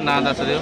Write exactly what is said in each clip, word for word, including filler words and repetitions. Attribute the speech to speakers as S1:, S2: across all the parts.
S1: नाम दस दिओ।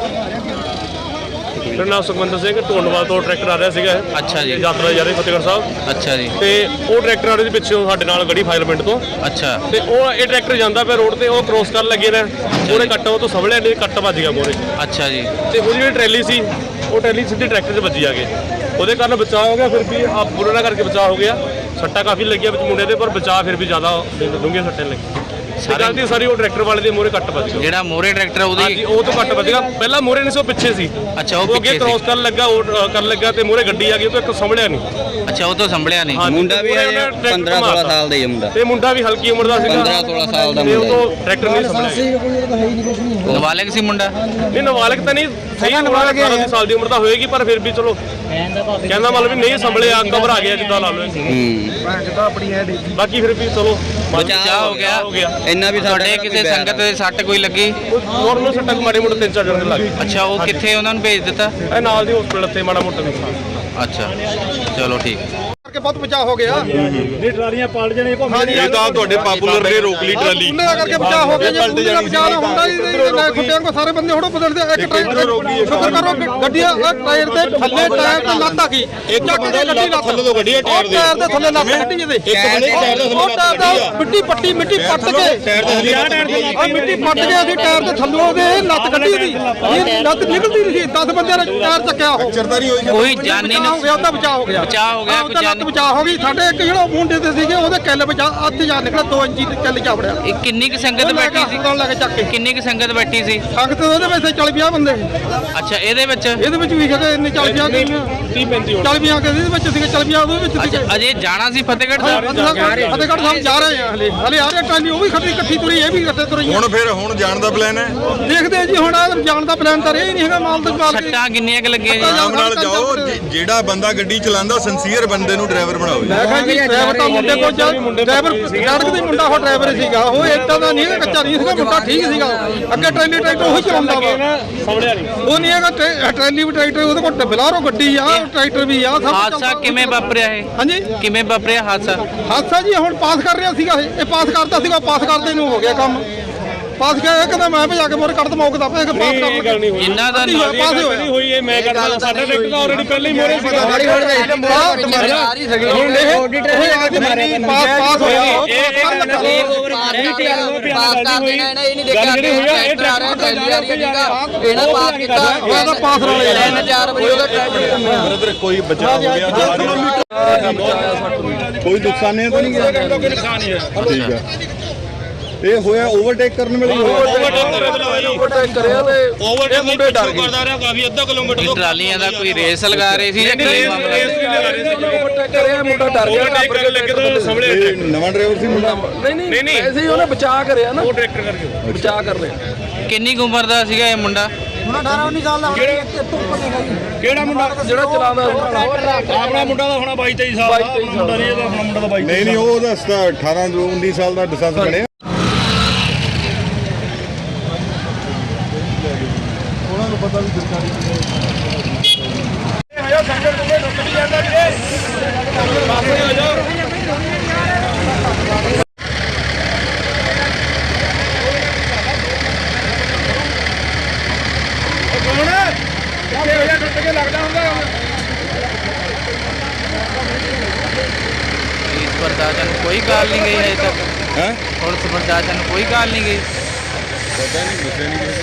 S2: मेरा नाम सुखविंदर सिंह, ढोंडवाल तो ट्रैक्टर आ रहा सीगा।
S1: अच्छा जी।
S2: यात्रा जा रही फतेहगढ़ साहब।
S1: अच्छा जी।
S2: ਤੇ ਉਹ ਟਰੈਕਟਰ ਵਾਲੇ ਦੇ ਪਿੱਛੋਂ ਸਾਡੇ ਨਾਲ ਗੜੀ ਫਾਇਰ ਪਿੰਡ ਤੋਂ।
S1: अच्छा
S2: ਤੇ ਉਹ ਇਹ ਟਰੈਕਟਰ ਜਾਂਦਾ ਪਿਆ ਰੋਡ ਤੇ, ਉਹ ਕ੍ਰੋਸ ਕਰਨ ਲੱਗੇ ਨੇ, ਉਹਨੇ ਕੱਟ ਉਹ ਤੋਂ ਸੰਭਲਿਆ ਨਹੀਂ, ਕੱਟ ਵੱਜ ਗਿਆ ਮੋਰੇ।
S1: अच्छा जी।
S2: ਤੇ ਉਹਦੀ ਜਿਹੜੀ ਟਰੈਲੀ ਸੀ ਉਹ ਟਰੈਲੀ ਸਿੱਧੀ ਟਰੈਕਟਰ 'ਚ ਵੱਜੀ ਆ ਕੇ, ਉਹਦੇ ਕਾਰਨ ਬਚਾਅ ਹੋ ਗਿਆ। ਫਿਰ ਵੀ ਆ ਬੁਰਾ ਕਰਕੇ ਬਚਾਅ ਹੋ ਗਿਆ। ਸੱਟਾਂ ਕਾਫੀ ਲੱਗੀਆਂ ਵਿੱਚ ਮੁੰਡੇ ਦੇ, ਪਰ ਬਚਾਅ ਫਿਰ ਵੀ ਜ਼ਿਆਦਾ ਡੂੰਘੀਆਂ ਸੱਟਾਂ ਲੱਗੀ। ਗਲਤੀ ਸਾਰੀ ਉਹ ਟਰੈਕਟਰ ਵਾਲੇ ਦੇ ਮੋਰੇ ਕੱਟ ਵੱਜ ਗਿਆ।
S1: ਜਿਹੜਾ ਮੋਰੇ ਟਰੈਕਟਰ ਉਹਦੀ
S2: ਹਾਂਜੀ ਉਹ ਤੋਂ ਕੱਟ ਵੱਜ ਗਿਆ। ਪਹਿਲਾਂ ਮੋਰੇ ਨਹੀਂ ਸੀ, ਉਹ ਪਿੱਛੇ ਸੀ।
S1: ਅੱਛਾ ਉਹ
S2: ਉਹ ਅੱਗੇ
S1: ਪਿੱਛੇ
S2: ਕ੍ਰੋਸ
S1: ਸੀ।
S2: ਕਰਨ ਲੱਗਾ, ਉਹ ਕਰਨ ਲੱਗਾ ਤੇ ਮੋਰੇ ਗੱਡੀ ਆ ਗਈ, ਉਹ ਤੋਂ ਇੱਕ ਸੰਭਲਿਆ ਨਹੀਂ।
S1: ਅੱਛਾ ਉਹ ਤੋਂ ਸੰਭਲਿਆ ਨਹੀਂ।
S2: ਹਾਂਜੀ,
S3: ਮੁੰਡਾ ਵੀ
S2: ਉਹਨੇ
S3: ਹੈ ਪੰਦਰਾਂ ਸੋਲਾਂ ਸਾਲ ਦਾ ਹੀ ਹੈ ਮੁੰਡਾ,
S2: ਤੇ ਮੁੰਡਾ ਵੀ ਹਲਕੀ ਉਮਰ ਦਾ ਸੀਗਾ,
S3: ਪੰਦਰਾਂ ਸੋਲਾਂ ਸਾਲ ਦਾ
S2: ਤੇ ਉਹ
S3: ਮੁੰਡਾ
S2: ਤੋਂ ਟਰੈਕਟਰ ਨਹੀਂ ਸੰਭਲਿਆ।
S1: ਨਾਬਾਲਗ ਸੀ ਮੁੰਡਾ?
S2: ਨਹੀਂ ਨਾਬਾਲਗ ਤਾਂ ਨਹੀਂ, ਸਹੀ ਨਾਬਾਲਗ ਅਠਾਰਾਂ ਸਾਲ ਦੀ ਉਮਰ ਦਾ ਹੋਏਗੀ, ਪਰ ਫਿਰ ਵੀ ਚਲੋ ਕਹਿੰਦਾ ਮਤਲਬ ਵੀ ਨਹੀਂ ਸੰਭਲਿਆ, ਘਬਰਾ ਗਿਆ ਜਿੱਦਾਂ ਲਾ ਲਓ।
S3: ਹੂੰ
S2: ਬਾਕੀ ਫਿਰ ਵੀ ਚਲੋ
S1: ਬਚਾਅ ਹੋ ਗਿਆ।
S2: ਹੋ ਗਿਆ।
S3: ਇੰਨਾ ਵੀ
S1: ਤੁਹਾਡੇ ਕਿਸੇ ਸੰਗਤ ਦੇ ਸੱਟ ਕੋਈ ਲੱਗੀ?
S2: ਨੋਰਮਲ ਸੱਟਾਂ ਮਾੜੇ ਮੋਟੇ ਤਿੰਨ ਚਾਰ ਜਣ ਦੇ ਲੱਗ ਗਏ।
S1: ਅੱਛਾ ਉਹ ਕਿੱਥੇ ਉਹਨਾਂ ਨੂੰ ਭੇਜ ਦਿੱਤਾ?
S2: ਇਹ ਨਾਲ ਦੀ ਹਸਪੀਟਲ ਤੇ ਮਾੜਾ ਮੋਟਾ ਨੁਕਸਾਨ।
S1: ਅੱਛਾ ਚਲੋ ਠੀਕ।
S4: ਕਰਕੇ ਬਹੁਤ ਬਚਾਅ ਹੋ ਗਿਆ।
S5: ਇਹ ਟਰਾਲੀਆਂ ਪਲਟ ਜਾਣੇ
S4: ਇਹ
S5: ਤਾਂ ਤੁਹਾਡੇ ਪਾਪੂਲਰ ਨੇ ਰੋਕ ਲਈ ਟਰਾਲੀ,
S4: ਉਹਨਾਂ ਕਰਕੇ ਬਚਾਅ ਹੋ ਗਿਆ। ਜੇ ਪਲਟ ਜਾਣੀ ਬਚਾਅ ਨਾ ਹੁੰਦਾ ਹੀ ਖੁੱਟਿਆਂ ਕੋ ਸਾਰੇ ਬੰਦੇ ਹੋੜੋ ਬਦਲਦੇ। ਇੱਕ ਟਾਇਰ ਸ਼ੁਕਰ ਕਰੋ ਗੱਡੀਆਂ ਟਾਇਰ ਦੇ ਥੱਲੇ ਟਾਇਰ ਤੇ ਲੱਤ ਆ ਗਈ, ਇੱਕ ਬੰਦਾ ਗੱਡੀ ਲੱਤ ਥੱਲੇ ਤੋਂ ਗੱਡੀ ਟਾਇਰ ਦੇ ਟਾਇਰ ਦੇ ਥੱਲੇ ਲੱਤ ਗੱਡੀ ਜਿਹਦੇ
S5: ਇੱਕ ਬੰਦੇ ਟਾਇਰ ਦੇ
S4: ਉਹ ਟਾਇਰ ਦਾ ਮਿੱਟੀ ਪੱਟੀ ਮਿੱਟੀ ਪੱਟ ਕੇ
S5: ਟਾਇਰ ਦੇ ਥੱਲੇ
S4: ਆ ਮਿੱਟੀ ਪੱਟ ਕੇ ਅਸੀਂ ਟਾਇਰ ਦੇ ਥੱਲੋਂ ਦੇ ਲੱਤ ਕੱਢੀ ਉਹਦੀ, ਇਹ ਲੱਤ ਨਿਕਲਦੀ ਨਹੀਂ ਸੀ। ਦਸ ਬੰਦਿਆਂ ਨੇ ਟਾਇਰ ਚੱਕਿਆ ਉਹ
S5: ਚਰਦਾਰੀ ਹੋਈ।
S1: ਕੋਈ ਜਾਨੀ
S4: ਬਚਾਅ ਹੋ ਗਿਆ, ਉਹਦਾ ਬਚਾਅ ਹੋ ਗਿਆ।
S1: ਬਚਾਅ ਹੋ ਗਿਆ,
S4: ਹਾਂ,
S1: ਕੋਈ
S4: ਉਹਦਾ ਲੱਤ
S1: ਜਾਨੀ-
S4: ਬਚਾਅ ਹੋ ਗਈ। ਸਾਡੇ ਇੱਕ ਜਿਹੜਾ ਮੁੰਡੇ ਤੇ ਸੀਗੇ ਉਹਦੇ ਕਿੱਲ ਬਚਾ ਅੱਧ ਜਾ ਨਿਕਲਿਆ, ਦੋ ਇੰਚੀ ਕਿੱਲ ਜਾ ਵੜਿਆ।
S1: ਇਹ ਕਿੰਨੀ ਕੁ ਸੰਗਤ ਬੈਠੀ ਸੀ?
S4: ਕੌਣ ਲੈ ਕੇ ਚੱਕ ਕੇ
S1: ਕਿੰਨੀ ਕੁ ਸੰਗਤ ਬੈਠੀ ਸੀ?
S4: ਸੰਗਤ ਉਹਦੇ ਵਿੱਚ ਚਾਲੀ ਪੰਜਾਹ ਬੰਦੇ ਸੀ।
S1: ਅੱਛਾ ਇਹਦੇ ਵਿੱਚ
S4: ਇਹਦੇ ਵਿੱਚ ਵੀ ਹੈਗੇ ਇੰਨੇ ਚਾਲੀ ਪੰਜਾਹ
S2: ਤੀਹ ਪੈਂਤੀ ਹੋਣ।
S4: ਚਾਲੀ ਪੰਜਾਹ ਕੇ ਇਹਦੇ ਵਿੱਚ ਸੀਗੇ, ਚਾਲੀ ਪੰਜਾਹ ਉਹਦੇ ਵਿੱਚ ਸੀਗੇ।
S1: ਅੱਛਾ ਅਜੇ ਜਾਣਾ ਸੀ ਫਤਿਹਗੜ੍ਹ ਸਾਹਿਬ?
S4: ਫਤਿਹਗੜ੍ਹ ਸਾਹਿਬ ਜਾ ਰਹੇ ਆ ਹਲੇ ਹਲੇ ਆ ਰਹੇ ਟਰਾਲੀ, ਉਹ ਵੀ ਖੱਟੀ ਇਕੱਠੀ ਤੁਰੀ, ਇਹ ਵੀ ਇਕੱਠੇ ਤੁਰੀ।
S5: ਹੁਣ ਫਿਰ ਹੁਣ ਜਾਣ ਦਾ ਪਲਾਨ ਹੈ?
S4: ਦੇਖਦੇ ਆ ਜੀ, ਹੁਣ ਆ ਜਾਣ ਦਾ ਪਲਾਨ ਤਾਂ ਇਹ ਨਹੀਂ ਹੈਗਾ। ਮਾਲ ਤੇ ਮਾਲ ਕੇ
S1: ਸੱਟਾਂ ਕਿੰਨੀਆਂ ਕੁ ਲੱਗੀਆਂ ਜੀ?
S5: ਆਰਾਮ ਨਾਲ ਜਾਓ, ਜਿ- ਜਿਹੜਾ ਬੰਦਾ ਗੱਡੀ ਚਲਾਉਂਦਾ ਸਿੰਸੀਅਰ ਬੰਦੇ ਨੂੰ ਡਰਾਈਵਰ ਬਣਾਓ ਜੀ।
S4: ਮੈਂ ਕਿਹਾ ਜੀ ਡਰਾਈਵਰ ਤਾਂ ਮੁੰਡੇ ਕੋਲ ਜਾ, ਡਰਾਈਵਰ ਸੜਕ ਦੇ ਮੁੰਡਾ ਉਹ ਡਰਾਈਵਰ ਸੀਗਾ, ਉਹ ਏਦਾਂ ਦਾ ਨਹੀਂ ਹੈਗਾ, ਕੱਚਾ ਨਹੀਂ ਸੀਗਾ ਮੁੰਡਾ, ਠੀਕ ਸੀਗਾ। ਅੱਗੇ ਟਰੈਲੀ ਟਰੈਕਟਰ ਉਹੀ ਚਲਾਉਂਦਾ ਵਾ,
S2: ਸੰਭਲਿਆ ਨਹੀਂ।
S4: ਉਹ ਨਹੀਂ ਹੈਗਾ ਟਰੈ- ਟਰੈਲੀ ਵੀ ਟਰੈਕਟਰ, ਉਹਦੇ ਕੋਲ ਬਲਾਰੋ ਗੱਡੀ ਆ, ਟਰੈਕਟਰ ਵੀ ਆ, ਸਭ
S1: ਹਾਦਸਾ ਕਿਵੇਂ ਵਾਪਰਿਆ ਇਹ?
S4: ਹਾਂਜੀ
S1: ਕਿਵੇਂ ਵਾਪਰਿਆ ਹਾਦਸਾ?
S4: ਹਾਦਸਾ ਜੀ ਹੁਣ ਪਾਸ ਕਰ ਰਿਹਾ ਸੀਗਾ, ਇਹ ਇਹ ਪਾਸ ਕਰਦਾ ਸੀਗਾ, ਪਾਸ ਕਰਦੇ ਨੂੰ ਹੋ ਗਿਆ ਕੰਮ। ਪਾਸ ਗਿਆ ਇਹ ਕਹਿੰਦਾ ਮੈਂ ਭਜਾ ਕੇ ਮੋਰੇ ਕੱਢ ਦਮਾ, ਉਹ ਕਹਿੰਦਾ ਪਾਸ
S2: ਇਹ ਗੱਲ
S4: ਕਰ
S2: ਨਹੀਂ ਹੋਈ।
S1: ਜਿੰਨਾ ਦਾ
S4: ਨਹੀਂ ਹੋਇਆ, ਪਾਸ ਹੀ ਹੋਇਆ।
S2: ਨਹੀਂ ਹੋਈ, ਇਹ ਮੈਂ ਕਰਦਾ। ਸਾਡਾ ਟਰੈਕਟਰ ਤਾਂ ਆਲਰੇਡੀ ਪਹਿਲਾਂ ਹੀ ਮੋਰੇ ਸੀਗਾ।
S4: ਹੁਣ ਇਹ ਉਹ ਆ ਕੇ ਮਾਰੇ ਪਾਸ ਪਾਸ ਹੋਇਆ। ਉਹਦਾ ਪਾਸ ਵਾਲੇ
S5: ਬ੍ਰਦਰ ਕੋਈ ਬਚਾਅ ਹੋ ਗਿਆ? ਕੋਈ ਨੁਕਸਾਨ ਨਹੀਂ ਤਾਂ ਨਹੀਂ ਗਿਆ?
S2: ਕੋਈ ਨੁਕਸਾਨ ਨਹੀਂ ਹੈ।
S5: ਠੀਕ ਹੈ। ਇਹ ਹੋਇਆ ਓਵਰਟੇਕ ਕਰਨ ਵੇਲੇ ਹੀ ਹੋਇਆ?
S4: ਓਵਰਟੇਕ ਕਰਿਆ ਤੇ
S2: ਓਵਰਟੇਕ ਮੁੰਡੇ ਡਰ ਗਏ। ਕਰਦਾ ਰਿਹਾ ਕਾਫੀ ਅੱਧਾ ਕਿਲੋਮੀਟਰ
S1: ਇਹ
S2: ਤੋਂ।
S1: ਟਰਾਲੀਆਂ ਦਾ ਕੋਈ ਰੇਸ ਲਗਾ ਰਹੇ ਸੀ ਜਾਂ ਕੀ ਮਾਮਲਾ?
S4: ਓਵਰਟੇਕ ਕਰਿਆ, ਮੁੰਡਾ ਡਰ ਗਿਆ।
S2: ਓਵਰਟੇਕ ਕਰਨ ਲੱਗੇ ਤਾਂ ਸੰਭਲਿਆ
S5: ਇਹ
S2: ਟਰੈਕਟਰ।
S5: ਨਵਾਂ ਡਰਾਈਵਰ ਸੀ ਮੁੰਡਾ?
S4: ਨਹੀਂ
S2: ਨਹੀਂ,
S4: ਨਹੀਂ
S2: ਨਹੀਂ।
S4: ਐਸੇ ਹੀ ਉਹਨੇ ਬਚਾ ਕਰਿਆ ਨਾ,
S2: ਉਹ ਟਰੈਕਟਰ ਕਰਕੇ
S4: ਬਚਾ ਕਰ ਲਿਆ।
S1: ਕਿੰਨੀ ਕੁ ਉਮਰ ਦਾ ਸੀਗਾ ਇਹ ਮੁੰਡਾ?
S2: ਕਿਹੜਾ ਮੁੰਡਾ
S4: ਜਿਹੜਾ ਚਲਾਉਂਦਾ
S2: ਆਪਣਾ ਮੁੰਡਾ ਦਾ ਹੋਣਾ ਬਾਈ ਤੇਈ ਸਾਲ ਦਾ ਮੁੰਡਾ ਨਹੀਂ, ਇਹਦਾ ਆਪਣਾ ਮੁੰਡਾ ਦਾ ਬਾਈ
S5: ਨਹੀਂ ਨਹੀਂ ਉਹ ਉਹਦਾ ਅਠਾਰਾਂ ਉੱਨੀ ਸਾਲ ਦਾ ਲਾਇਸੈਂਸ ਬਣਿਆ। ਉਹਨਾਂ ਨੂੰ ਪਤਾ ਵੀ ਸਰਕਾਰੀ
S2: ਆਇਆ ਸੰਗਤ ਨੂੰ ਰੁਕ ਨਹੀਂ ਜਾਂਦਾ ਵੀਰੇ। ਪਾਸੇ ਹੋ ਜਾਓ।
S1: ਪੁਲਿਸ ਪ੍ਰਸ਼ਾਸਨ ਨੂੰ ਕੋਈ ਕਾਲ ਨਹੀਂ ਗਈ ਹਜੇ ਤੱਕ?
S5: ਹੈ
S1: ਪੁਲਿਸ ਪ੍ਰਸ਼ਾਸਨ ਨੂੰ ਕੋਈ ਕਾਲ ਨਹੀਂ ਗਈ?
S5: ਪਤਾ ਨਹੀਂ, ਦੱਸਿਆ ਨਹੀਂ।